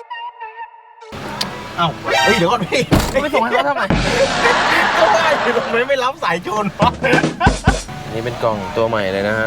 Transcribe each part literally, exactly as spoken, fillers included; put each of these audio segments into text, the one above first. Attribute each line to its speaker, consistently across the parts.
Speaker 1: เอ้าเฮ้ยเดี๋ยวก่อนพี่
Speaker 2: ไม่ส่งให้เขาทำไม
Speaker 1: ก็ว่าอยู่ทำไมไม่รับสายชนวะ
Speaker 2: นี่เป็นกล่องตัวใหม่เลยนะฮะ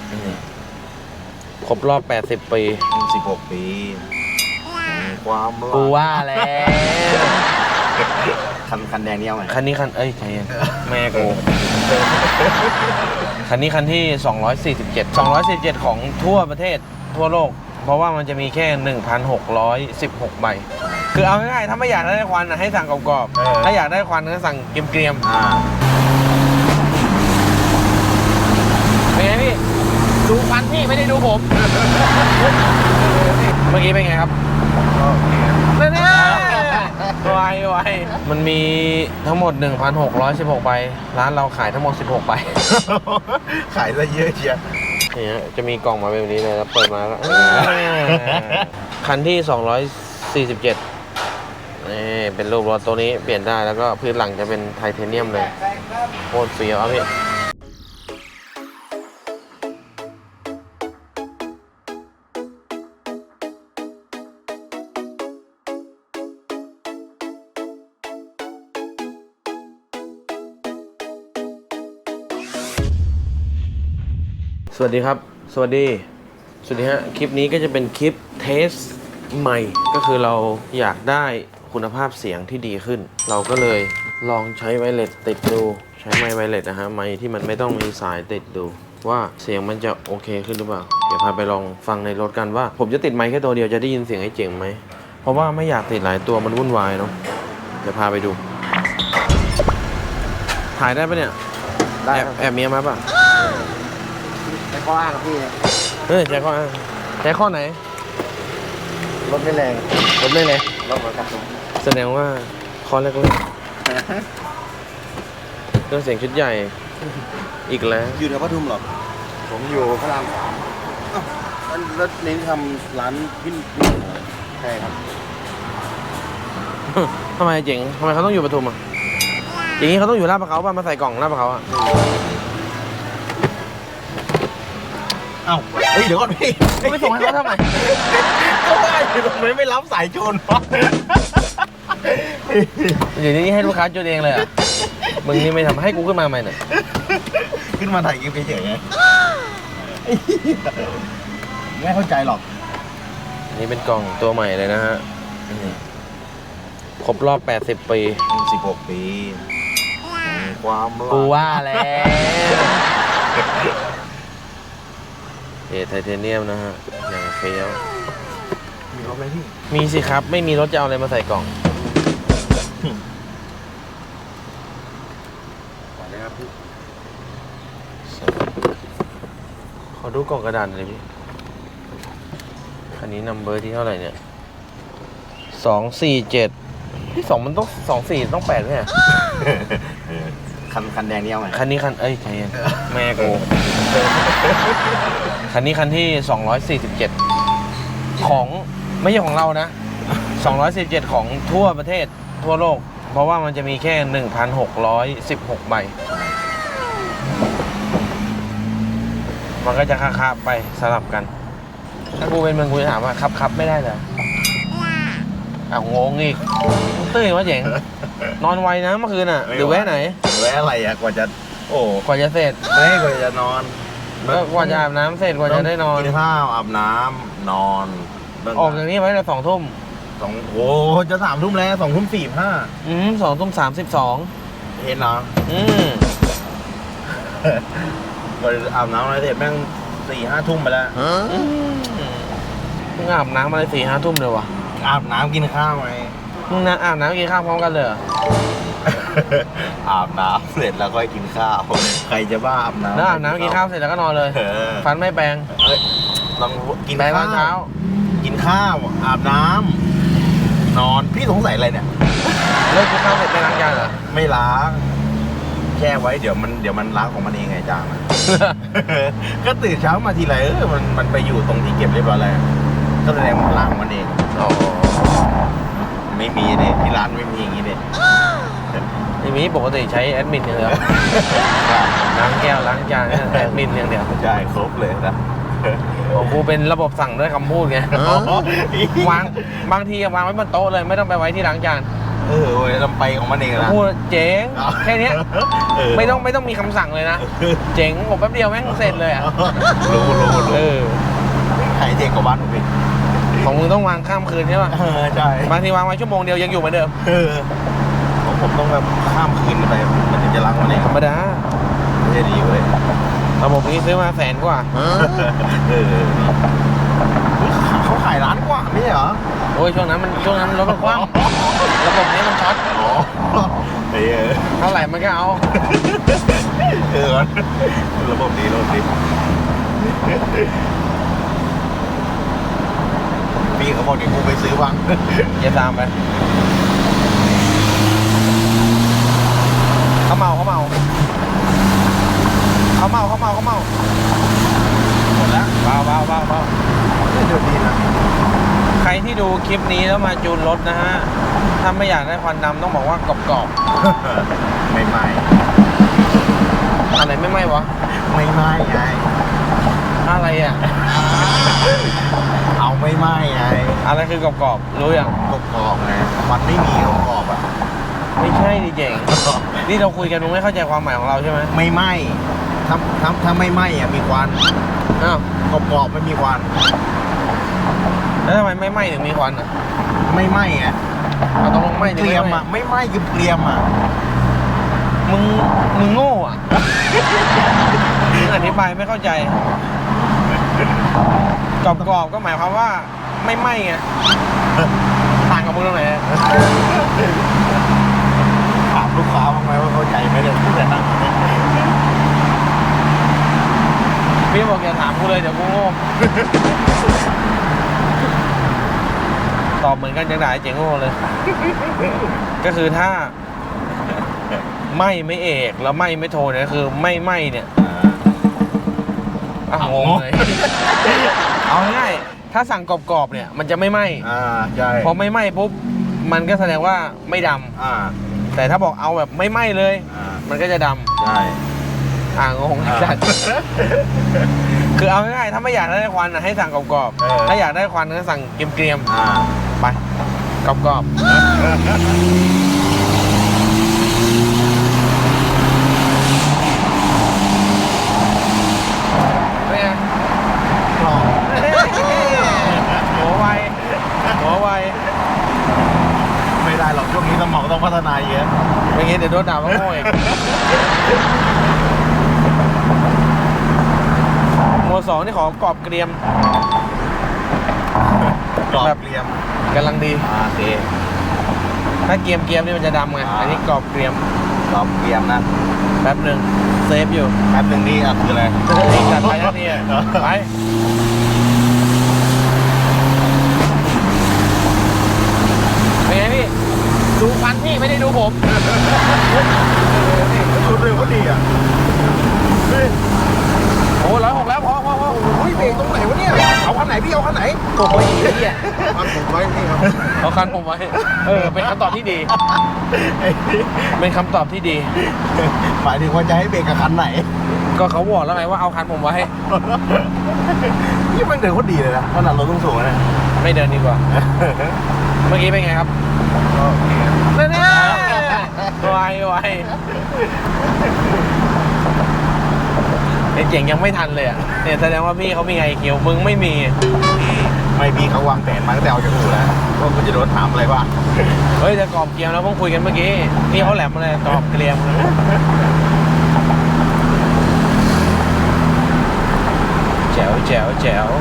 Speaker 2: ครบรอบแปดสิบปี
Speaker 1: สิบหกปีความรัก
Speaker 2: กูว่าแล้ว
Speaker 1: คันคันแดงนี่เอาไหม
Speaker 2: คันนี้คันเอ้ยใครแม่กูคันนี้คันที่สองร้อยสี่สิบเจ็ด สองร้อยสี่สิบเจ็ดของทั่วประเทศทั่วโลกเพราะว่ามันจะมีแค่ หนึ่งพันหกร้อยสิบหก ใบคือเอาง่ายๆถ้าไม่อยากได้ควันนะให้สั่งกรอบๆถ้าอยากได้ควันก็สั่งเกรียมๆ
Speaker 1: อ่า
Speaker 2: เป็นไงพี่ดูควันพี่ไม่ได้ดูผมเมื่อกี้เป็นไงครับแน่ๆไวไวมันมีทั้งหมด หนึ่งพันหกร้อยสิบหก ใบร้านเราขายทั้งหมดสิบหกใบ
Speaker 1: ขายซะเยอะเชียว
Speaker 2: เนี่ยจะมีกล่องมาแบบนี้เลยแล้วเปิดมาแล้วคันที่สองร้อยสี่สิบเจ็ดนี่เป็นรูปรถตัวนี้เปลี่ยนได้แล้วก็พื้นหลังจะเป็นไทเทเนียมเลยโคตรเฟี้ยวอ่ะพี่สวัสดีครับสวัสดีสวัสดีฮะคลิปนี้ก็จะเป็นคลิปเทสใหม่ก็คือเราอยากได้คุณภาพเสียงที่ดีขึ้นเราก็เลยลองใช้ไวเลสติดดูใช้ไมค์ไวเลสนะฮะไมค์ที่มันไม่ต้องมีสายติดดูว่าเสียงมันจะโอเคขึ้นหรือเปล่าเดี๋ยวพาไปลองฟังในรถกันว่าผมจะติดไมค์แค่ตัวเดียวจะได้ยินเสียงให้เจ๋งไหมเพราะว่าไม่อยากติดหลายตัวมันวุ่นวายเนาะเดี๋ยวพาไปดูถ่ายได้ปะเนี่ยได้แอบแอบเมียมาปะ
Speaker 1: ใช้ข้ออ้างครับพี่
Speaker 2: เออใช้ข้ออ้างใช้ข้อไหน
Speaker 1: รถไม่แรง
Speaker 2: รถไม่เลย
Speaker 1: รถเหมือนกัน
Speaker 2: แสดงว่าข้อแรกเลยเครื่องเสียงชุดใหญ่อีกแล้ว
Speaker 1: อยู่แถวปทุมหรอผมอยู่พระรามสามอ้าวแล้วเน้นทำร้านพิ้นใช่ครับ
Speaker 2: ทำไมเจ๋งทำไมเขาต้องอยู่ปทุมอ่ะอย่างนี้เขาต้องอยู่ลาดพร้าวป่ะมาใส่กล่องลาดพร้าวอ่ะ
Speaker 1: เอ้าเฮ้ยเดี๋ยวก่อนพี่
Speaker 2: ไม่ส่งให้เขาทำไม
Speaker 1: ก็ว่าอยู่ทำไมไม่รับสายชนวะ
Speaker 2: เดี๋ยวนี้ให้ลูกค้าจุดเองเลยอ่ะมึงนี่ไม่ทำให้กูขึ้นมาใหม่เนี่ย
Speaker 1: ขึ้นมาถ่ายคลิปเฉยๆไงไม่เข้าใจหรอก
Speaker 2: นี่เป็นกล่องตัวใหม่เลยนะฮะครบรอบแปดสิบปี
Speaker 1: สิบหกปีความรัก
Speaker 2: กูว่าแล้วเอไทเทเนียมนะฮะอย่างเฟี้ยว
Speaker 1: มีรถไหมพี่
Speaker 2: มีสิครับไม่มีรถจะเอาอะไรมาใส่กล่อง
Speaker 1: ก่อนเลยครับพี่
Speaker 2: ขอดูกล่องกระดาษหน่อยพี่คันนี้นัมเบอร์ที่เท่าไหร่เนี่ยสองสี่เจ็ดที่สองมันต้องสองสี่ต้องแปดไหมอ่ะ
Speaker 1: คันคันแดงนี่เอาไหม
Speaker 2: คันนี้คันเอ้ยใช่แม่กูคันนี้คันที่สองร้อยสี่สิบเจ็ดของไม่ใช่ของเรานะสองร้อยสี่สิบเจ็ดของทั่วประเทศทั่วโลกเพราะว่ามันจะมีแค่ หนึ่งพันหกร้อยสิบหก ใบมันก็จะค้าๆไปสลับกันถ้ากูเป็นมึงกูจะถามว่าครับครับไม่ได้เลยอ้าวงงอีกตื่นวะเจ๋งนอนไวนะเมื่อคืนอ่ะหรือแวะไหน
Speaker 1: แวะอะไรอ่ะกว่าจะโอ้
Speaker 2: กว่าจะเสร็จ
Speaker 1: ไม่กว่าจะนอน
Speaker 2: ก็กว่าจะอาบน้ำเสร็จกว่าจะได้นอน
Speaker 1: กินข้าวอาบน้ำนอน
Speaker 2: ออกจากนี้ไว้แต่สองทุ่ม
Speaker 1: สองโอ้จะสามทุ่มแล้วสองทุ่มสี่ห้า
Speaker 2: อืมสองทุ่มสามสิบสอง
Speaker 1: เห็นเหรอ
Speaker 2: อืม
Speaker 1: พออาบน้ำอะไรเสร็จแม่งสี่ห้าทุ่มไปแล้ว
Speaker 2: มึงอาบน้ำอะไรสี่ห้าทุ่มเลยวะ
Speaker 1: อาบน้ำกินข้าวไหม
Speaker 2: มึงนะอาบน้ำกินข้าวพร้อมกันเลย
Speaker 1: อาบน้ำเสร็จแล้วก็กินข้าวใครจะบ้าอาบน้ำ
Speaker 2: แล้วอาบน้ำกินข้าวเสร็จแล้วก็นอนเลยฟันไม่แปรง
Speaker 1: ลองกิน
Speaker 2: แปรงตอนเช้า
Speaker 1: กินข้าวอาบน้ำนอนพี่สงสัยอะไรเนี่ย
Speaker 2: เลิกกินข้าวเสร็จไม่ล้างจานเหรอ
Speaker 1: ไม่ล้างแช่ไว้เดี๋ยวมันเดี๋ยวมันล้างของมันเองไงจานก็ตื่นเช้ามาทีไรเออมันมันไปอยู่ตรงที่เก็บเรียบร้อยแล้วก็แสดงมันล้างมันเอง
Speaker 2: อ๋อ
Speaker 1: ไม่มีเนี่ยที่ร้านไม่มีอย่างนี้เนี่ย
Speaker 2: ไม่มีปกติใช้แอดมินอย่างเดียวล้างแก้วล้างจานแอดมินอย่างเดียว
Speaker 1: ใช่ครบเลยนะ
Speaker 2: ของกูเป็นระบบสั่งด้วยคำพูดไงวางบางทีวางไว้บนโต๊ะเลยไม่ต้องไปไว้ที่ล้างจาน
Speaker 1: เออเว้ยลำไปของมันเองนะ
Speaker 2: พูดเจ๋งแค่เนี้ย
Speaker 1: เออ
Speaker 2: ไม่ต้องไม่ต้องมีคำสั่งเลยนะ เจ๋งผมแป๊บเดียวแม่งเสร็จเลยอ่ะ
Speaker 1: รู้รู้รู้
Speaker 2: เออ
Speaker 1: ขายเด็กกว่าบ้านผมอีก
Speaker 2: ของมึงต้องวางข้ามคืนใช่ป่ะ
Speaker 1: เออใช่
Speaker 2: บางทีวางไว้ชั่วโมงเดียวยังอยู่เหมือนเดิม
Speaker 1: เออของผมต้องแบบข้ามคืนไปมันถึงจะล้างวันเอง
Speaker 2: ธรรมดา
Speaker 1: ไม่ใช่ดีเว้ย
Speaker 2: ระบบนี้ซื้อมาแสนกว่า
Speaker 1: เออเขาขายร้านกว่าไม่ใช่เหรอ
Speaker 2: โอ้ยช่วงนั้นมันช่วงนั้นรถมันคว่ำระบบนี้มันช็อต
Speaker 1: อ๋อเออ
Speaker 2: เท่าไหร่มันก็เอา
Speaker 1: เออระบบดีระบบดีพี่เขาบอกเดี๋ยวกูไปซื้อบ้าง
Speaker 2: อย่าตามไปเขาเมาเขาเมาเขาเมาเขาเมาเขาเมา
Speaker 1: หมดแล้ว
Speaker 2: เบาเบาเบาเบา
Speaker 1: เดี๋ยวดีนะ
Speaker 2: ใครที่ดูคลิปนี้แล้วมาจูนรถนะฮะ ถ้าไม่อยากได้ควันดำต้องบอกว่ากรอบ
Speaker 1: ไม่ไหม้
Speaker 2: ๆอะไรไม่ไหม้วะ
Speaker 1: ไม่ไหม้ไง
Speaker 2: อะไรอ่ะ
Speaker 1: เอาไม่ไหม้ไง
Speaker 2: อะไรคือกรอบๆรู้ยัง
Speaker 1: กรอบๆไงมันไม่มีกรอบๆอ่ะ
Speaker 2: ไม่ใช่ดิเจ๋งนี่เราคุยกันมึงไม่เข้าใจความหมายของเราใช่ไหม
Speaker 1: ไม่ไหม้ถ้าถ้าถ้าไม่ไหม้อ่ะมีควัน
Speaker 2: อ้าว
Speaker 1: กรอบๆไม่มีควัน
Speaker 2: แล้วทำไมไม่ไหม้ถึงมีควันอ่ะ
Speaker 1: ไม่ไหม้อ่ะ
Speaker 2: เอาตกลงไหม้หรือ
Speaker 1: เกรียม
Speaker 2: ไม่ไหม้
Speaker 1: อ่ะไม่ไหม้คือเกรียมอ่ะ
Speaker 2: มึงมึงโง่อ่ะ มึงอธิบายไม่เข้าใจกรอบๆก็หมายความว่าไม่ไหม้ไงต่างกับมึงตรงไหน
Speaker 1: ถามลูกค้าบ้างไหมว่าเข้าใจไหมเนี่ยพูดแต่นั่ง
Speaker 2: พี่บอกอย่าถามกูเลยเดี๋ยวกูโง่ ตอบเหมือนกันจังได้เจ๋งโง่เลย ก็คือถ้าไม่ไม่เอกแล้วไม่ไม่โทเนี่ยคือไม่ไม่เนี่ยอ่ะงงเลย เอาง่ายๆถ้าสั่งกรอบๆเนี่ยมันจะไม่ไหม้
Speaker 1: อ่าใช่
Speaker 2: พอไม่ไหม้ปุ๊บมันก็แสดงว่าไม่ดำ
Speaker 1: อ่า
Speaker 2: แต่ถ้าบอกเอาแบบไม่ไหม้เลย
Speaker 1: อ่า
Speaker 2: มันก็จะด
Speaker 1: ใช่
Speaker 2: ำอ่างงจัด คือเอาง่ายๆถ้าไม่อยากได้ควันน่ะให้สั่งกรอบๆถ้าอยากได้ควันก็สั่งเกรียม
Speaker 1: อ่า
Speaker 2: ๆไปกรอบๆเป็นไง
Speaker 1: กรอบ
Speaker 2: หัวไวหัวไว
Speaker 1: ไม่ได้หรอกช่วงนี้สมองต้องพัฒนาเยอะ
Speaker 2: ไม่งั้นเดี๋ยวโดนด่าว่าโง่อีกโมสองนี่ขอกรอบเกรียม
Speaker 1: กรอบ
Speaker 2: แบบ
Speaker 1: เกรียม
Speaker 2: กำลังดี
Speaker 1: อ่าโอเค
Speaker 2: ถ้าเกรียมเกรียมนี่มันจะดำไง
Speaker 1: อ่า
Speaker 2: อันนี้กรอบเกรียม
Speaker 1: กรอบเกรียมนะ
Speaker 2: แป๊บหนึ่งเซฟอยู่
Speaker 1: แป๊บหนึงนี่อ่ะคืออะไร
Speaker 2: อีกจัดไปทันทีอะไปเป็นไงพี่ ดูฟันพี่ไม่ได้ดูผม
Speaker 1: ชุดเร็วก็ดีอ่ะเฮ้ย
Speaker 2: โอ้ร้อยหกแล้วพอพอพอ
Speaker 1: โอ้ยเบรกตรงไหนวะเนี่ยเอาคันไหนพี่เอาคันไหน
Speaker 2: โอ้ยเหี้ย
Speaker 1: คันผมไว้พี่ครับ
Speaker 2: เอาคันผมไว้ เออ เป็นคำตอบที่ดี เป็นคำตอบที่ดี
Speaker 1: หมายถึงว่าจะให้เบรกกับคันไหน
Speaker 2: ก็เขาบอกแล้วไงว่าเอาคันผมไว้
Speaker 1: นี่มันเดินโคตรดีเลยนะขนาดรถต้องสูงนะ
Speaker 2: ไม่เดินดีกว่า เมื่อกี้เป็นไงครับ
Speaker 1: ก็โอเคครับ
Speaker 2: แน่ๆไวไวไอ้เจ๋งยังไม่ทันเลยอ่ะเนี่ยแสดงว่าพี่เขามีไงเขียวมึงไม่มี
Speaker 1: ไม่พี่เขาวางแผนมาตั้งแต่ออกจากอู่แล้วว่าคุณจะโดนถามอะไรบ้าง
Speaker 2: เฮ้ยแต่กรอบเกรียมแล้วเพิ่งคุยกันเมื่อกี้พี่เขาแหลมมาเลยกรอบเกรียมแจ๋วแจ๋วแจ๋ว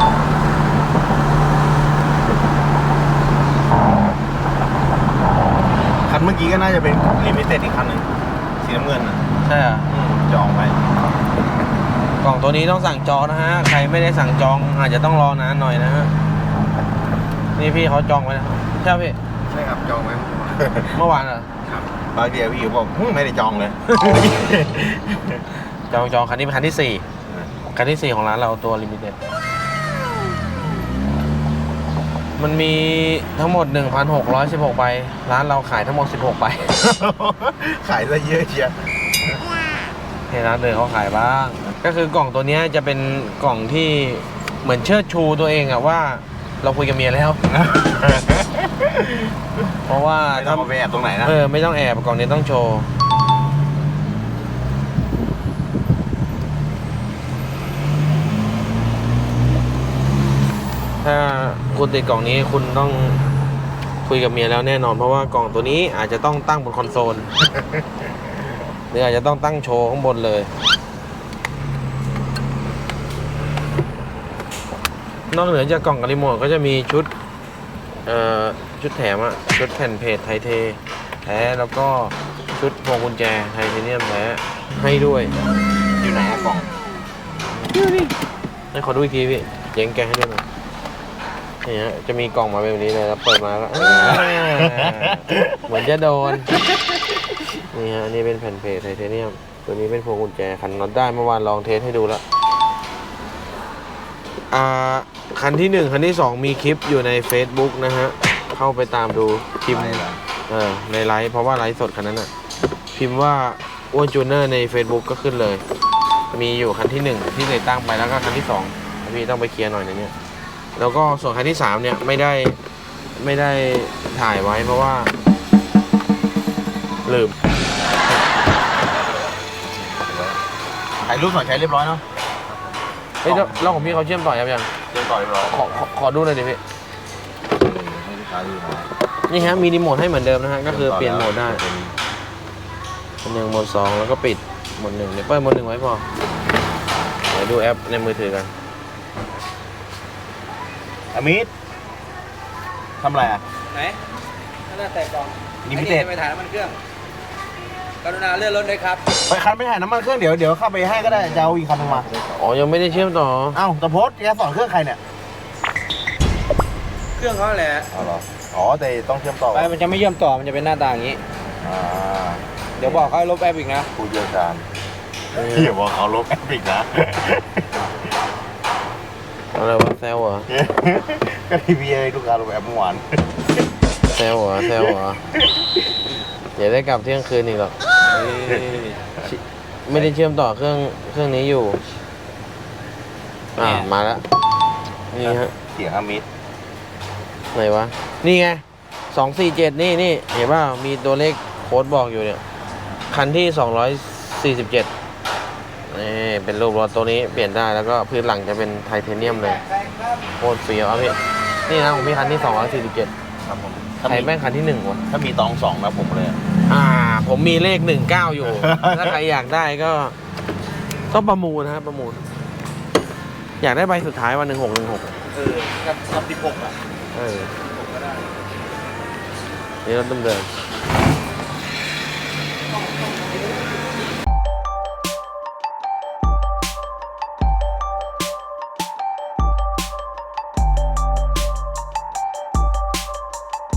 Speaker 1: คันเมื่อกี้ก็น่าจะเป็นลิมิเต็ดอีกคันหนึ่งสีน้ำเงินอ่ะ
Speaker 2: ใช่อ่ะ
Speaker 1: อืมจองไว้
Speaker 2: กล่องตัวนี้ต้องสั่งจองนะฮะใครไม่ได้สั่งจองอาจจะต้องรอนานหน่อยนะฮะนี่พี่เขาจองไว้นะใช่พี่
Speaker 1: ใช่ครับจองไว้
Speaker 2: เมื่อวานเหรอ
Speaker 1: ครับบางเดียวพี่บอกหึไม่ได้จองเลย
Speaker 2: จองจองคันนี้เป็นคันที่สี่คันที่สี่ของร้านเราตัวลิมิเต็ดมันมีทั้งหมด หนึ่งพันหกร้อยสิบหก ใบร้านเราขายทั้งหมดสิบหกใบ
Speaker 1: ขายซะเยอะเชียว
Speaker 2: ให้ร้านเดินเขาขายบ้าง ก็คือกล่องตัวเนี้ยจะเป็นกล่องที่เหมือนเชิดชูตัวเองอะว่าเราคุยกับเมียแล้ว เพราะว่า
Speaker 1: ไม่ต้องมาไปแอบตรงไหนนะ
Speaker 2: เออไม่ต้องแอบกล่องนี้ต้องโชว์ถ้าคุณติดกล่องนี้คุณต้องคุยกับเมียแล้วแน่นอน เพราะว่ากล่องตัวนี้อาจจะต้องตั้งบนคอนโซล หรืออาจจะต้องตั้งโชว์ข้างบนเลย นอกเหนือจากกล่องกับรีโมทก็จะมีชุดเอ่อชุดแถมอะชุดแผ่นเพจไทเทแท้แล้วก็ชุดพวงกุญแจไทเทเนียมแท้ให้ด้วย
Speaker 1: อยู่ไหนอะกล่อง
Speaker 2: ให้ขอดูอีกทีพี่เจ๊งแกะให้ด้วยหน่อยนี่ฮะจะมีกล่องมาแบบนี้เลยแล้วเปิดมาก็ เหมือนจะโดนนี่ฮะอันนี่เป็นแผ่นเพจไทเทเนียมตัวนี้เป็นพวงกุญแจขันน็อตได้เมื่อวานลองเทสให้ดูแล้วอ่าคันที่หนึ่งคันที่สองมีคลิปอยู่ใน Facebook นะฮะเข้าไปตามดูพิมพ์เออในไลฟ์เพราะว่าไลฟ์สดคันนั้นอ่ะพิมพ์ว่าอ้วนจูเนอร์ใน Facebook ก็ขึ้นเลยมีอยู่คันที่หนึ่งที่ติดตั้งไปแล้วก็คันที่สองพี่ต้องไปเคลียร์หน่อยนะเนี่ยแล้วก็ส่วนคันที่สามเนี่ยไม่ได้ไม่ได้ถ่ายไว้เพราะว่าลืม
Speaker 1: ถ่ายรูปหน่อยใช้เรียบร้อยเนาะ
Speaker 2: เฮ้ยแล้วแล้วของพี่เขาเชื่อมต่อยังยัง
Speaker 1: เรียบร้อยเรียบร้อย
Speaker 2: ขอขอขอดูหน่อยดิพี่
Speaker 1: ให้ลูกค้าดูหน่อย
Speaker 2: นี่ฮะมีรีโมทให้เหมือนเดิมนะฮะก็คือเปลี่ยนโหมดได้โหมดหนึ่งโหมดสองแล้วก็ปิดโหมดหนึ่งเดี๋ยวเปิดโหมดหนึ่งไว้พอเดี๋ยวดูแอปในมือถือกัน
Speaker 1: อามิดทำอะไรอ่ะ
Speaker 3: ไหนนั่นน่ะแต่กล่อง
Speaker 1: ลิมิเต็ด
Speaker 3: ไอ้นี่จะไปถ่ายน้ำมันเครื่อง กรุณาเลื่อนรถด้วยครับ
Speaker 1: ไปคันไม่ถ่ายน้ำมันเครื่องเดี๋ยวเดี๋ยวเข้าไปให้ก็ได้จะเอาอีกคันนึงมา
Speaker 2: อ๋อยังไม่ได้เชื่อมต่อ
Speaker 1: เอ้าแต่โพสต์แกสอนเครื่องใครเนี่ย
Speaker 3: เครื่องเขาแหละ
Speaker 1: อ๋อเหรออ๋อแต่ต้องเชื่อมต่อ
Speaker 3: ไปมันจะไม่เชื่อมต่อ มันจะเป็นหน้าตาอย่างนี้
Speaker 1: อ่า
Speaker 3: เดี๋ยวบอกเขาให้ลบแอปอีกนะ
Speaker 1: ผู้เชี่ยวชาญเดี๋ยวบอกเขาลบแอปอีกนะ
Speaker 2: อะไรวะแซวเหรอ
Speaker 1: ก็ทีวีให้ลูกค้าลบแอปเมื่อวาน
Speaker 2: แซวเหรอแซวเหรออย่าได้กลับเที่ยงคืนอีกหรอกชิไม่ได้เชื่อมต่อเครื่องเครื่องนี้อยู่อ่ามาแล้วนี่ฮะ
Speaker 1: เสียงอามิด
Speaker 2: ไหนวะนี่ไงสองสี่เจ็ดนี่นี่เห็นป่ะมีตัวเลขโค้ดบอกอยู่เนี่ยคันที่สองร้อยสี่สิบเจ็ดนี่เป็นรูปรถตัวนี้เปลี่ยนได้แล้วก็พื้นหลังจะเป็นไทเทเนียมเลยโคตรเฟี้ยวอ่ะพี่นี่นะของพี่คันที่สองร้อยสี่สิบเจ็ด
Speaker 1: ครับผม
Speaker 2: ใครแม่งคันที่หนึ่งวะ
Speaker 1: ถ้ามีตองสองนะผมเลย
Speaker 2: อ่า ผมมีเลขหนึ่งเก้าอยู่ ถ้าใครอยากได้ก็ต้องประมูลนะครับประมูล อยากได้ใบสุดท้ายวันหนึ่งหกหนึ่งหก
Speaker 1: เออกับกับสิบหกอ่ะ
Speaker 2: เออ
Speaker 1: ผมก็ได้
Speaker 2: นี่รถเดิม
Speaker 1: น